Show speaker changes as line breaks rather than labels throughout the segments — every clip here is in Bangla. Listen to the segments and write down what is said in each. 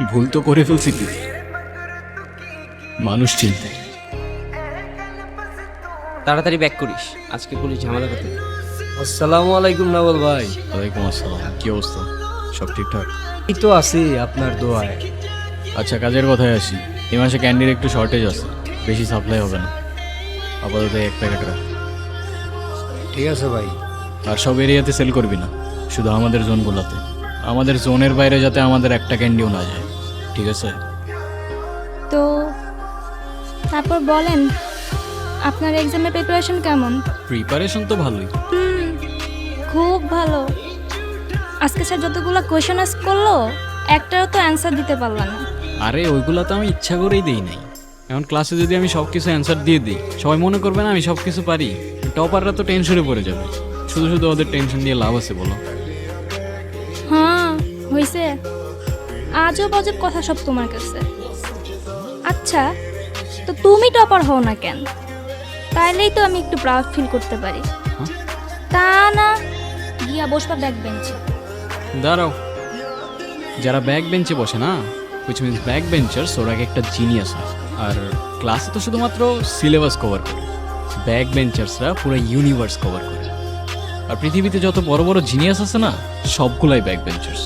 ভুল তো করে ফেলছি কি, মানুষ চিনতে।
তাড়াতাড়ি ব্যাক করিস, আজকে পুলিশ ঝামেলা করতে।
আসসালামু আলাইকুম নাবল ভাই।
ওয়ালাইকুম আসসালাম, কি অবস্থা? সব ঠিকঠাক?
এই তো আছি আপনার দোয়ায়।
আচ্ছা, কাজের কথায় আসি। এই মাসে ক্যান্ডির একটু শর্টেজ আছে, বেশি সাপ্লাই হবে না। আপাতত এক প্যাকেট রাখ।
ঠিক আছে ভাই।
আর সব এরিয়াতে সেল করবি না, শুধু আমাদের জোনগুলোতে। আমাদের জোনের বাইরে যাতে আমাদের একটা ক্যান্ডিও না যায়, ঠিক আছে?
তো তারপর বলেন, আপনার এক্সামের প্রিপারেশন কেমন?
প্রিপারেশন তো ভালোই।
খুব ভালো। আজকে স্যার যতগুলো কোয়েশন আস করলো, একটারও তো অ্যান্সার দিতে পারলাম না।
আরে ওইগুলো তো আমি ইচ্ছা করেই দিই নাই। এখন ক্লাসে যদি আমি সব কিছু অ্যান্সার দিয়ে দিই, সবাই মনে করবে না আমি সব কিছু পারি। টপাররা তো টেনশনে পড়ে যাবে। শুধু শুধু ওদের টেনশন দিয়ে লাভ আছে বলো?
হ্যাঁ হয়েছে, আজব আজব কথা সব তোমার কাছে। আচ্ছা, তো তুমি টপার হও না কেন? তাইলেই তো আমি একটু প্রাউড ফিল করতে পারি। তা না, গিয়া বসবা ব্যাক বেঞ্চে।
দাঁড়াও, যারা ব্যাক বেঞ্চে বসে না, হুইচ মিনস ব্যাক বেঞ্চার্স, ওরা একটা জিনিয়াস হয়। আর ক্লাসে তো শুধুমাত্র সিলেবাস কভার করে, ব্যাক বেঞ্চার্সরা পুরো ইউনিভার্স কভার করে। আর পৃথিবীতে যত বড় বড় জিনিয়াস আছে না, সবগুলাই ব্যাক বেঞ্চার্স।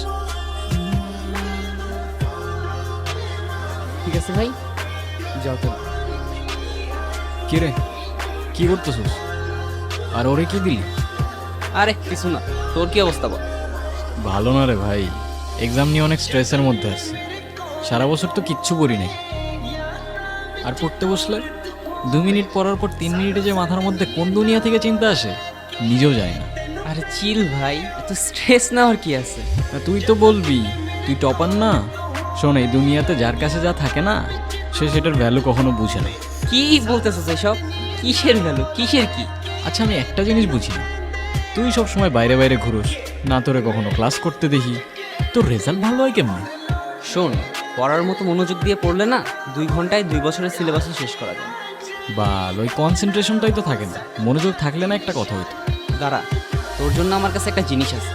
ঠিক আছে ভাই, যাও তো।
কি রে, কি করতেছিস? আর ওরে কি দিলি?
আরে কিছু না, তোর কি অবস্থা বল?
ভালো না রে ভাই, এক্সাম নিয়ে অনেক স্ট্রেসের মধ্যে আছে। সারা বছর তো কিচ্ছু করি নাই, আর পড়তে বসলে 2 মিনিট পড়ার পর 3 মিনিটে যে মাথার মধ্যে কোন দুনিয়া থেকে চিন্তা আসে নিজেও যায় না।
আরে চিল ভাই, এত স্ট্রেস নেওয়ার কি আছে?
না, তুই তো বলবি তুই টপার না। শোন, এই দুনিয়াতে যার কাছে যা থাকে না, সে সেটার ভ্যালু কখনো বুঝে না।
কি বলতেছিস এসব? কিসের ভ্যালু, কিসের কি?
আচ্ছা, আমি একটা জিনিস বুঝি না, তুই সব সময় বাইরে বাইরে ঘুরোস না, তোরে কখনো ক্লাস করতে দেখি। তোর রেজাল্ট ভালো হয় কেমন?
শোন, পড়ার মতো মনোযোগ দিয়ে পড়লে না 2 ঘন্টায় 2 বছরের সিলেবাসও শেষ করা যায়।
বা ওই কনসেন্ট্রেশনটাই তো থাকে না। মনোযোগ থাকলে না একটা কথা হইতো।
দাঁড়া, তোর জন্য আমার কাছে একটা জিনিস আছে।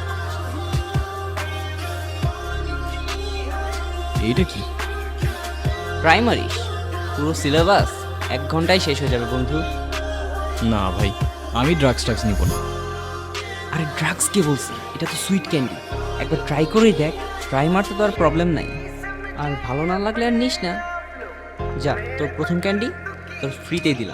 এইটা কি?
প্রাইমারিস, পুরো সিলেবাস 1 ঘন্টায় শেষ হয়ে যাবে বন্ধু।
না ভাই, আমি ড্রাগস নিব না।
আরে ড্রাগস কে বলছি? এটা তো সুইট ক্যান্ডি, একবার ট্রাই করেই দেখ। ট্রাই মারতে তো আর প্রবলেম নাই। আর ভালো না লাগলে আর নিস না। যা, তোর প্রথম ক্যান্ডি তোর ফ্রিতেই দিলাম।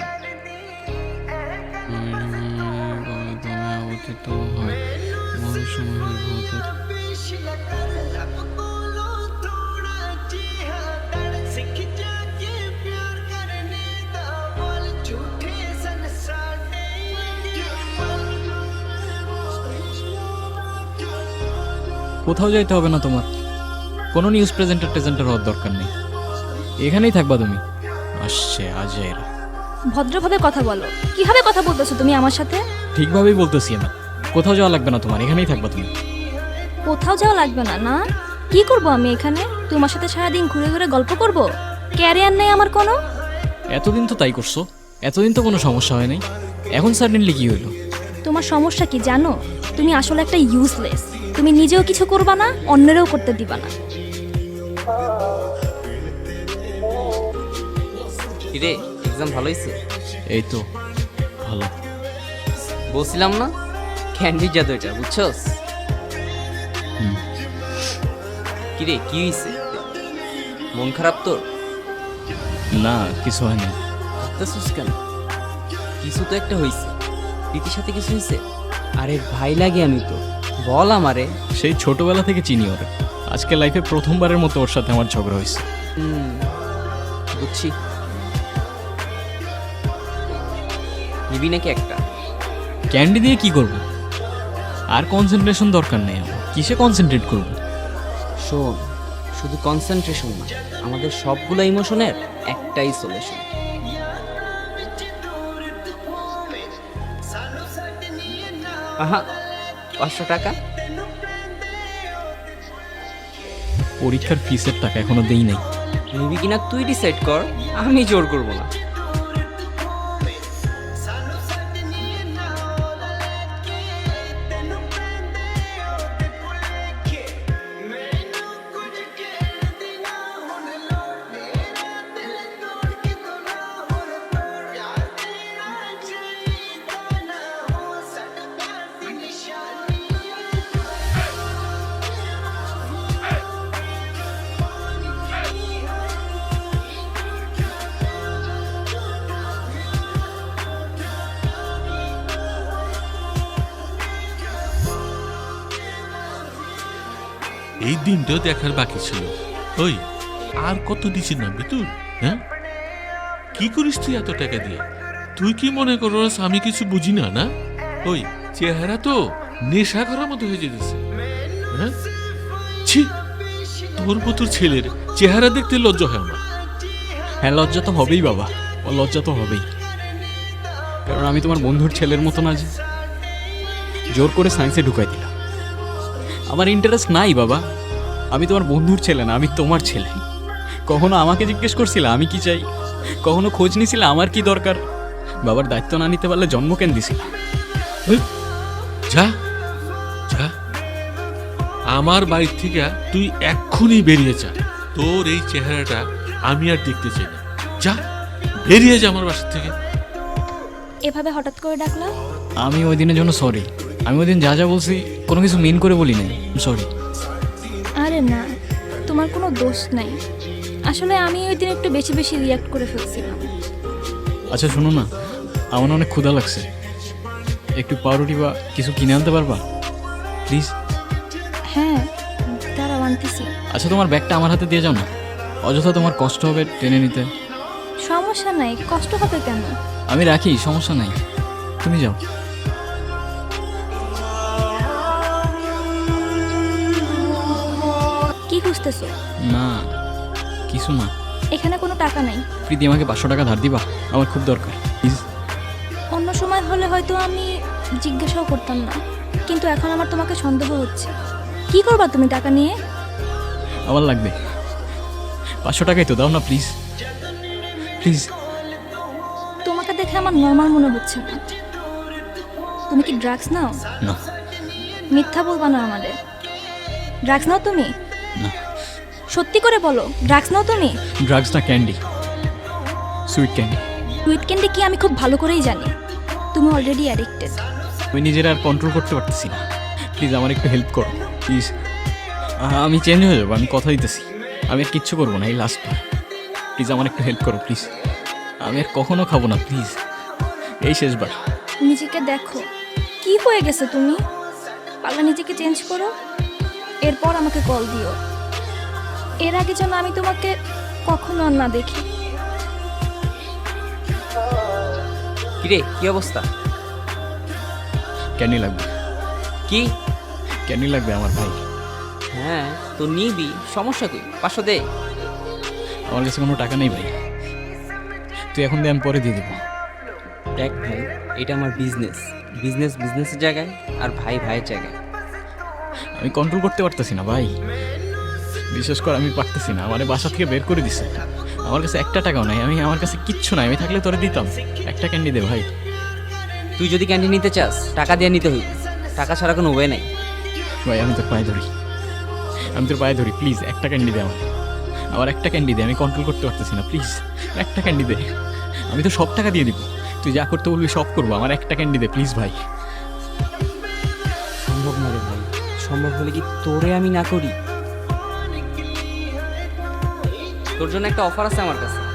কোথাও যাইতে হবে না তোমার, কোনো নিউজ প্রেজেন্টার হওয়ার দরকার নেই। এখানেই থাকবা তুমি। আসছে আজের।
ভদ্রভাবে কথা বলো। কিভাবে কথা বলতেছো তুমি আমার সাথে?
ঠিকভাবেই বলতেছি না, কোথাও যাওয়া লাগবে না তোমার, এখানেই থাকবা তুমি।
কোথাও যাওয়া লাগবে না? না, কি করব আমি এখানে? তোমার সাথে সারাদিন ঘুরে ঘুরে গল্প করব? ক্যারিয়ার নেই আমার কোনো?
এতদিন তো তাই করছো, এতদিন তো কোনো সমস্যা হয় নাই, এখন সাডেনলি কি হইলো?
তোমার সমস্যা কি জানো? তুমি আসলে একটা ইউজলেস। তুমি নিজেও কিছু করবা না, অন্যেরও করতে দিবা না।
কিরে, এক্সাম ভালো হয়েছে?
এই তো ভালো।
বলছিলাম না, ক্যান্ডি জাদু এটা, বুঝছস? কিরে, কি হয়েছে? মন খারাপ তোর?
না, কিছু হয় না।
ভাবতেছিস কেন? কিছু তো একটা হয়েছে। প্রীতির সাথে কিছু হয়েছে? আরে ভাই লাগে আমি তো, বল আমারে।
সেই ছোটবেলা থেকে চিনি ওরে, আজকে লাইফে প্রথমবারের মতো ওর সাথে আমার ঝগড়া হয়েছে।
বুঝছি। নিবি নাকি একটা?
ক্যান্ডি দিয়ে কি করব? আর কনসেন্ট্রেশন দরকার নেই আমার, কিসে কনসেন্ট্রেট করব?
শোন, শুধু কনসেন্ট্রেশন না, আমাদের সবগুলো ইমোশনের একটাই সলিউশন। আহা, 500 টাকা।
পরীক্ষার ফিসের টাকা এখনো দেই নাই।
নিবি কিনা তুই ডিসাইড কর, আমি জোর করব না।
এই দিনটাও দেখার বাকি ছিল। ওই আর কত দিছি না বিতুর? হ্যাঁ, কি করিস তুই এত টাকা দিয়ে? তুই কি মনে করস আমি কিছু বুঝি না? না, ওই চেহারা তো নেশা করার মতো হয়ে যেতেছে। হ্যাঁ, ছি, তোর মতো ছেলের চেহারা দেখতে লজ্জা হয় আমার।
হ্যাঁ, লজ্জা তো হবেই বাবা, ও লজ্জা তো হবেই। কারণ আমি তোমার বন্ধুর ছেলের মতো না যে জোর করে সায়েন্সে ঢুকাই দিলাম। আমার ইন্টারেস্ট নাই বাবা, আমি তোমার বন্ধুর ছেলে না, আমি তোমার ছেলে। কখনো আমাকে জিজ্ঞেস করছিলে আমি কি চাই? কখনো খোঁজ নিছিলে আমার কি দরকার? বাবার দায়িত্ব না নিতে পারলে জন্ম কেন দিছিল?
ওই, যা যা, আমার বাড়ি থেকে তুই এক্ষুনি বেরিয়ে যা। তোর এই চেহারাটা আমি আর দেখতে চাই না। যা, বেরিয়ে যা আমার বাসা থেকে।
এভাবে হঠাৎ করে ডাকলা?
আমি ওই দিনের জন্য সরি। আমি ওই দিন যা যা বলছি কোনো কিছু মিন করে বলি নাই, সরি।
আরে না, তোমার কোনো দোষ নাই। আসলে আমি ওই দিন একটু বেশি বেশি রিয়াক্ট করে ফেলছিলাম।
আচ্ছা শোনো না, আমার না অনেক ক্ষুধা লাগছে, একটু পাউরুটি বা কিছু কিনে আনতে পারবা প্লিজ?
হ্যাঁ, দাঁড়াও আনতেছি।
আচ্ছা তোমার ব্যাগটা আমার হাতে দিয়ে যাও না, অযথা তোমার কষ্ট হবে টেনে নিতে।
সমস্যা নাই, কষ্ট হবে কেন?
আমি রাখি, সমস্যা নাই, তুমি যাও।
কি খুঁজতেছো?
না কিছু না।
এখানে কোনো টাকা নাই।
প্রীতি আমাকে 500 টাকা ধার দিবা, আমার খুব দরকার প্লিজ।
অন্য সময় হলে হয়তো আমি জিজ্ঞাসাও করতাম না, কিন্তু এখন আমার তোমাকে সন্দেহ হচ্ছে। কি করবা তুমি টাকা নিয়ে?
আমার লাগবে 500 টাকাই তো, দাও না প্লিজ প্লিজ।
তোমাকে দেখে আমার নর্মাল মনে হচ্ছে না। তুমি কি ড্রাগস নাও?
না
মিথ্যা বলবা না আমাদের। ড্রাগস নাও তুমি?
না,
সত্যি করে বলো, ড্রাগস নাও তুমি?
ড্রাগস না, candy, sweet candy.
Sweet candy কি আমি খুব ভালো করেই জানি। তুমি অলরেডি অ্যাডিক্টেড।
আমি নিজের আর কন্ট্রোল করতে পারতেছি না, প্লিজ আমার একটু হেল্প করো প্লিজ। আমি চেঞ্জ হয়ে যাবো, আমি কথা দিতেছি, আমি আর কিচ্ছু করবো না, এই লাস্টবার প্লিজ আমার একটু হেল্প করো প্লিজ। আমি আর কখনো খাবো না প্লিজ, এই শেষবার।
নিজেকে দেখো, কি হয়ে গেছে তুমি? পারলে নিজেকে চেঞ্জ করো, এরপর আমাকে কল দিও। এর আগে যেন আমি তোমাকে কখনো আর না দেখি।
কিরে, কি অবস্থা?
ক্যান্ডি লাগবে,
কি?
ক্যান্ডি লাগবে আমার ভাই।
হ্যাঁ, তো নিবি, সমস্যা কই? 500 দে।
আমার কাছে কোনো টাকা নেই ভাই, তুই এখন দিয়ে আমি পরে দিয়ে দেবো।
দেখ ভাই, এটা আমার বিজনেস। বিজনেস বিজনেসের জায়গায়, আর ভাই ভাইয়ের জায়গায়।
আমি কন্ট্রোল করতে পারতেছি না ভাই, বিশেষ করে আমি পারতেছি না। আমার বাসা থেকে বের করে দিছে, আমার কাছে একটা টাকাও নাই, আমার কাছে কিচ্ছু নাই। আমি থাকলে তোরে দিতাম, একটা ক্যান্ডি দে ভাই।
তুই যদি ক্যান্টিন নিতে চাস, টাকা দিয়ে নিতে হইবে, টাকা ছাড়া কোনো ওয়ে নাই।
ভাই আমি তোর পায়ে ধরি, আমি তোর পায়ে ধরি, প্লিজ একটা ক্যান্ডি দে আমার একটা ক্যান্ডি দে। আমি কন্ট্রোল করতে পারতেছি না, প্লিজ একটা ক্যান্ডি দে। আমি তো সব টাকা দিয়ে দিব, তুই যা করতে বলবি সব করবো, আমার একটা ক্যান্ডি দে প্লিজ ভাই।
সম্ভব না রে ভাই, সম্ভব হলে কি তোরে আমি না করি? তোর জন্য একটা অফার আছে আমার কাছে।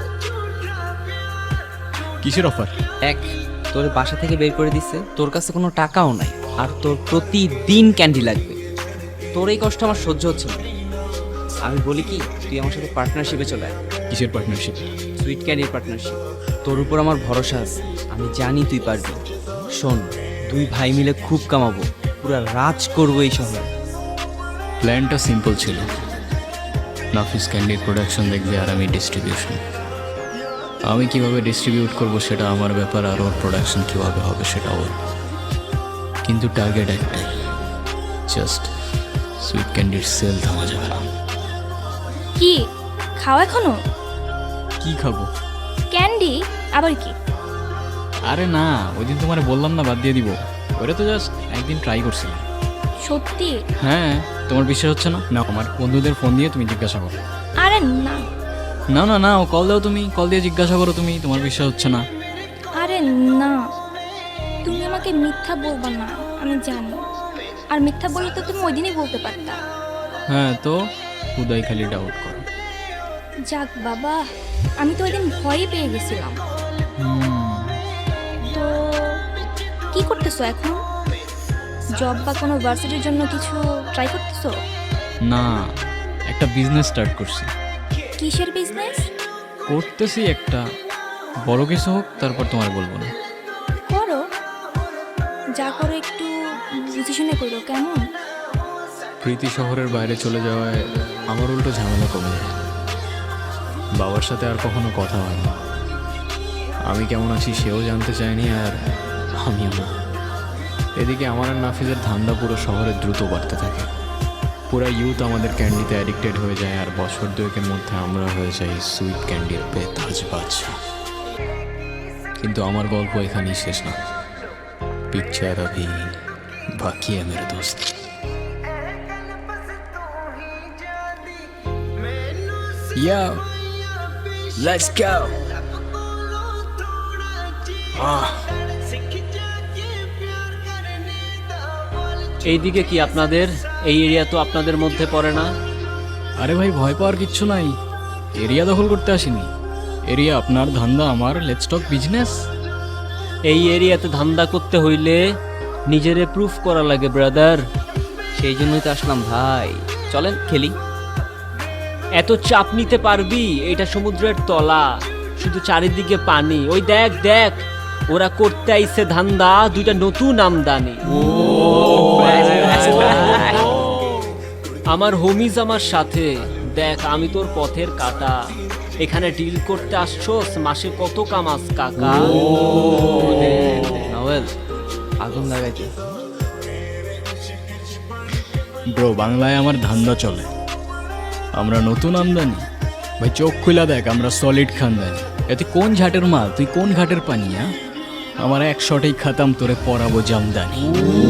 কিসের অফার?
এক, তোর বাসা থেকে বের করে দিচ্ছে, তোর কাছে কোনো টাকাও নাই, আর তোর প্রতিদিন ক্যান্ডি লাগবে। তোর এই কষ্ট আমার সহ্য হচ্ছে না। আমি বলি কি, তুই আমার সাথে পার্টনারশিপে চলে আয়।
কিসের পার্টনারশিপ?
Sweet ক্যান্ডির partnership. তোর উপর আমার ভরসা আছে, আমি জানি তুই পারবি। শোন, দুই ভাই মিলে খুব কামাবো, পুরো রাজ করবো এই শহরে।
প্ল্যানটা সিম্পল ছিল, নাফিস ক্যান্ডির প্রোডাকশন দেখবে আর আমি ডিস্ট্রিবিউশন। আমি কিভাবে ডিস্ট্রিবিউট করব সেটা আমার ব্যাপার, আর ওর প্রোডাকশন কীভাবে হবে সেটা ওর। কিন্তু টার্গেট একটাই, জাস্ট সুইট ক্যান্ডির সেল থামা যাবে না।
কি খাও এখনো?
কি খাবো?
ক্যান্ডি? আবার কি?
আরে না, ওই দিন তোমার বললাম না বাদ দিয়ে দিব, ওটা তো জাস্ট একদিন ট্রাই করছিলাম।
সত্যি?
হ্যাঁ, তোমার বিশ্বাস হচ্ছে না? না, আমার বন্ধুদের ফোন দিয়ে তুমি জিজ্ঞাসা করো।
আরে না
না না না, ও কল দাও, তুমি কল দিয়ে জিজ্ঞাসা করো, তুমি তোমার বিশ্বাস হচ্ছে না।
আরে না, তুমি আমাকে মিথ্যা বলবা না, আমি জানি। আর মিথ্যা বললে তো তুমি ওই দিনই বলতে পারতা।
হ্যাঁ তো খুদাই খালি ডাউট করো।
যাক বাবা, আমি তো ওই দিন ভয়ই পেয়ে গেছিলাম। তো কি করতেছো এখন? জব বা কোনো ভার্সিটির জন্য কিছু ট্রাই করতেছো?
না, একটা বিজনেস স্টার্ট করছি।
কিসের বিজনেস?
করতেছি একটা, বড় কিছু হোক তারপর তোমার বলবো না।
করো, যা করো একটু বুঝে শুনে করো, কেমন?
প্রীতি শহরের বাইরে চলে যাওয়ায় আমার উল্টো ঝামেলা কমে যায়। বাবার সাথে আর কখনো কথা হয় না। আমি কেমন আছি সেও জানতে চায়নি, আর আমিও না। এদিকে আমার আর নাফিজের ধান্দা পুরো শহরে দ্রুত বাড়তে থাকে। পুরা ইউথ আমাদের ক্যান্ডিতে অ্যাডিক্টেড হয়ে যায়, আর বছর দুয়েকের মধ্যে আমরা হয়ে যাই সুইট ক্যান্ডির বেতাজ বাদশা। কিন্তু আমার গল্প এখানেই শেষ না। পিকচার अभी বাকি है मेरे दोस्त। Yo, let's go.
এইদিকে কি আপনাদের? এই এরিয়া তো আপনাদের মধ্যে পড়ে না।
আরে ভাই, ভয় পাওয়ার কিচ্ছু নাই। এরিয়া দখল করতে আসিনি। এরিয়া আপনার, ধান্দা আমার। Let's talk business.
এই এরিয়াতে ধান্দা করতে হইলে নিজেরে প্রুফ করা লাগে ব্রাদার।
সেই জন্যই তো আসলাম ভাই, চলেন খেলি।
এত চাপ নিতে পারবি? এটা সমুদ্রের তলা, শুধু চারিদিকে পানি। ওই দেখ দেখ, ওরা করতে আইছে ধান্দা, দুইটা নতুন আমদানি। আমার হোমিজ আমার সাথে। দেখ, আমি তোর পথের কাটা। এখানে ডিল করতে আসছোস, মাসে কত কামাস কাকা?
নাওয়েল, আগুন লাগাইতে।
ব্রো, বাংলায় আমার ধান্দা চলে। আমরা নতুন আমদানি। ভাই চোখ খুলা দেখ, আমরা সলিড খানদানি। এতে কোন ঝাটের মাল, তুই কোন ঘাটের পানিয়া? আমার এক শটেই খাতাম, তোরে পরাবো জামদানি।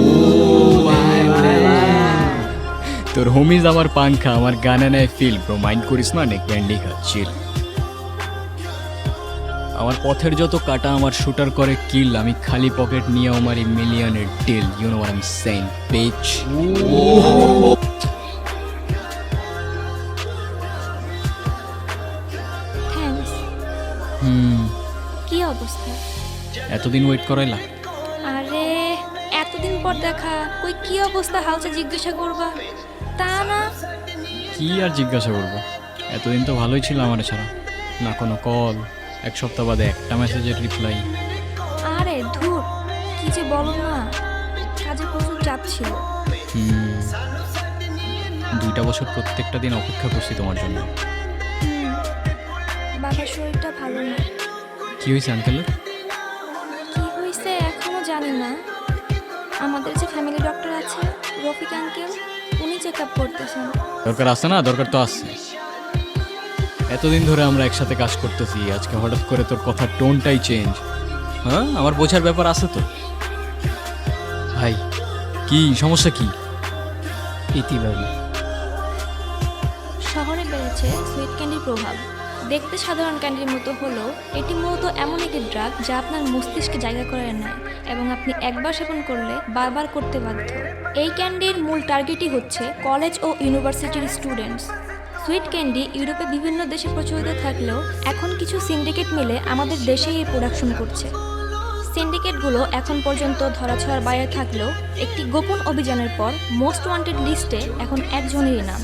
তোর হোমিজ আমার পাংখা, আমার গানে নেয় ফিল। ব্রো মাইন্ড করিস না, নে ক্যান্ডি খা, চিল। আমার পথের যত কাটা আমার শুটার করে কিল। আমি খালি পকেট নিয়ে আমার মিলিয়নের deal. You know what I am saying, bitch.
Thanks. কি অবস্থা?
এতদিন ওয়েট করাইলা?
আরে এতদিন পর দেখা, কই কি অবস্থা হালচা জিজ্ঞাসা করবা? তা না,
কি আর জিজ্ঞাসা করবো? এতদিন তো ভালোই ছিল আমার ছাড়া। না কোনো কল, এক সপ্তাহ বাদে একটা মেসেজের রিপ্লাই।
আরে ধুর, কি যে বলো না, কাজে প্রচুর চাপ ছিল।
2টা বছর প্রত্যেকটা দিন অপেক্ষা করছি তোমার জন্য।
বাবার শরীরটা ভালো না।
কি হয়েছে আঙ্কেলের?
কি হয়েছে এখনো জানি না। আমাদের যে ফ্যামিলি ডক্টর আছে রফিক আঙ্কেল, উনি চেক আপ করতেছেন।
দরকার আছে না? দরকার তো আছে। এতদিন ধরে আমরা একসাথে কাজ করতেছি, আজকে হঠাৎ করে তোর কথার টোনটাই চেঞ্জ। হ্যাঁ, আমার বোঝার ব্যাপার আছে তো। ভাই, কি সমস্যা? কি
ইতিবাদী
শহরে বেড়েছে সুইট ক্যান্ডির প্রভাব। দেখতে সাধারণ ক্যান্ডির মতো হলেও এটি মূলত এমন একটি ড্রাগ যা আপনার মস্তিষ্কে জায়গা করে নেয় এবং আপনি একবার সেবন করলে বারবার করতে বাধ্য। এই ক্যান্ডির মূল টার্গেটই হচ্ছে কলেজ ও ইউনিভার্সিটির স্টুডেন্টস। সুইট ক্যান্ডি ইউরোপে বিভিন্ন দেশে প্রচলিত থাকলেও এখন কিছু সিন্ডিকেট মিলে আমাদের দেশেই এই প্রোডাকশন করছে। সিন্ডিকেটগুলো এখন পর্যন্ত ধরাছোঁয়ার বাইরে থাকলেও একটি গোপন অভিযানের পর মোস্ট ওয়ান্টেড লিস্টে এখন একজনেরই নাম,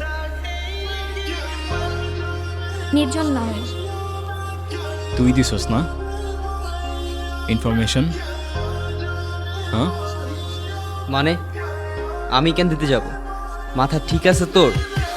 নির্জন নাওয়েল।
তুই দিছস না ইনফরমেশন? হ্যাঁ,
মানে আমি কেন দিতে যাব? মাথা ঠিক আছে তোর?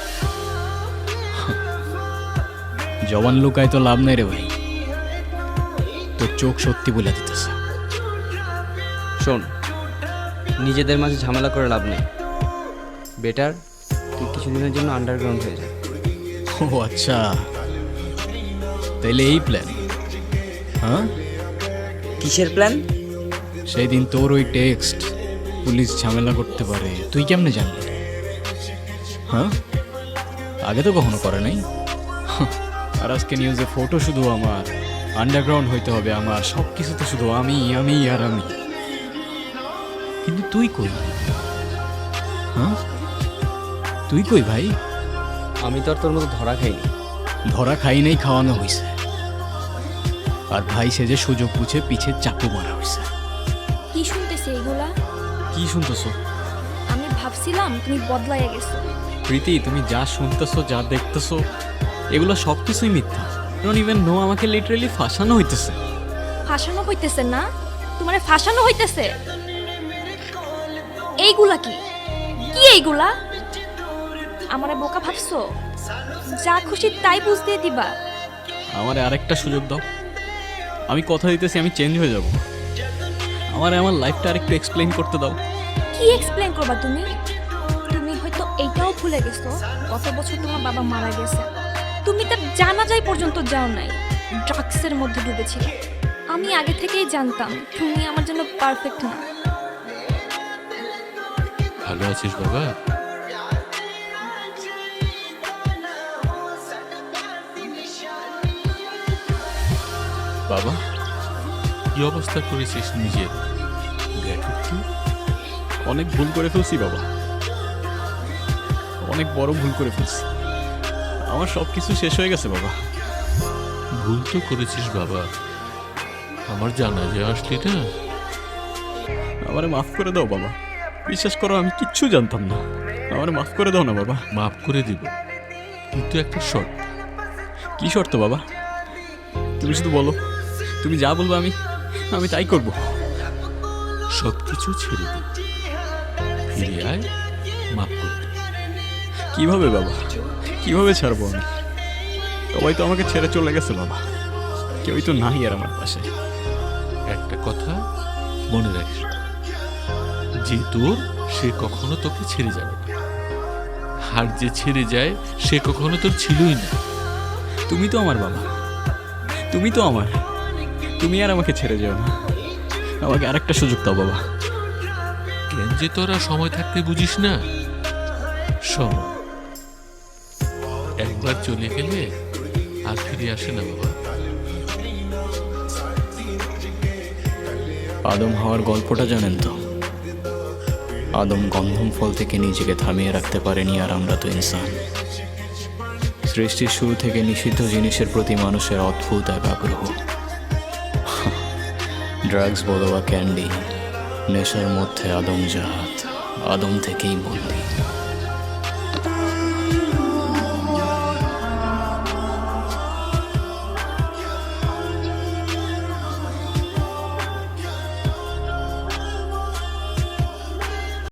জবান লুকায় তো লাভ নাই রে ভাই, তোর চোখ সত্যি বলে দিতেছে।
শোন, নিজেদের মাঝে ঝামেলা করে লাভ নেই। বেটার তুই কিছুদিনের জন্য আন্ডারগ্রাউন্ড হয়ে যা।
ও আচ্ছা, তাইলে এই প্ল্যান? হ্যাঁ,
কিসের প্ল্যান?
সেই দিন তোর ওই টেক্সট পুলিশ ঝামেলা করতে পারে, তুই কেমনে জানলি? হ্যাঁ, আগে তো কখনো করে নাই। আর আজকে নিউজে ফটো শুধু আমার, আন্ডারগ্রাউন্ড হইতে হবে আমার, সব কিছু তো শুধু আমি আমি আর আমি। কিন্তু তুই কই? হ্যাঁ, তুই কই ভাই?
আমি তো আর তোর মতো ধরা খাইনি।
ধরা খাই নাই, খাওয়ানো হয়েছে। আর ভাই সে যে সুযোগ বুঝে পিছে চাকু মারা হয়েছে।
কি শুনতেছে এগুলা?
কি শুনতেছো?
আমি ভাবছিলাম তুমি বদলাইয়া গেছো।
প্রীতি, তুমি যা শুনতেছো, যা দেখতেছো, এগুলো সব কিছুই মিথ্যা। ডোন্ট ইভেন নো, আমাকে লিটারেলি ফাঁসানো হইতেছে।
ফাঁসানো হইতেছে না? তোমারে ফাঁসানো হইতেছে? এইগুলা কি কি এইগুলা? আমারে বোকা ভাবছো? যা খুশি তাই বুঝ দিয়ে দিবা?
আমার আরেকটা সুযোগ দাও, আমি কথা দিতেছি আমি চেঞ্জ হয়ে যাব। আমার লাইফটা আরেকটু এক্সপ্লেইন করতে দাও।
কি এক্সপ্লেন করবা তুমি? তুমি হয়তো এইটাও ভুলে গেছো কত বছর তোমার বাবা মারা গেছে। তুমি তার জানাজাই পর্যন্ত যাও নাই, ড্রাগসের মধ্যে ডুবেছিল। আমি আগে থেকেই জানতাম তুমি আমার জন্য পারফেক্ট না।
ভালো আছিস বাবা?
বাবা,
কি অবস্থা করেছিস নিজের? দেখ একটু।
অনেক ভুল করে ফেলছি বাবা, অনেক বড় ভুল করে ফেলছি। আমার সব কিছু শেষ হয়ে গেছে বাবা।
ভুল তো করেছিস বাবা, আমার জানা যে আসলি না।
আমারে মাফ করে দাও বাবা, বিশ্বাস করো আমি কিচ্ছু জানতাম না। আমারে মাফ করে দাও না বাবা।
মাফ করে দিব, কিন্তু একটা শর্ত।
কি শর্ত বাবা? তুমি শুধু বলো, তুমি যা বলবো আমি আমি তাই করব।
সব কিছু ছেড়ে দে, ফিরে আয়, মাফ করতে।
কিভাবে বাবা, কিভাবে ছাড়বো আমি? সবাই তো আমাকে ছেড়ে চলে গেছে বাবা, কেউই তো নাই আর আমার পাশে।
একটা কথা মনে রাখিস, যে তোর সে কখনো তোকে ছেড়ে যাবে না, আর যে ছেড়ে যায় সে কখনো তোর ছিলই না।
তুমি তো আমার বাবা, তুমি তো আমার, তুমি আর আমাকে ছেড়ে যেও না। আমাকে আরেকটা সুযোগ দাও বাবা।
কেন যে তোরা সময় থাকতে বুঝিস না? সময় একবার চলে গেলে আর ফিরে আসে না বাবা।
আদম হওয়ার গল্পটা জানেন তো? আদম গন্ধম ফল থেকে নিজেকে থামিয়ে রাখতে পারেনি, আর আমরা তো ইনসান। সৃষ্টির শুরু থেকে নিষিদ্ধ জিনিসের প্রতি মানুষের অদ্ভুত এক আগ্রহ। ড্রাগস বলো বা ক্যান্ডি, নেশার মধ্যে আদম জাহাত, আদম থেকেই বন্দি।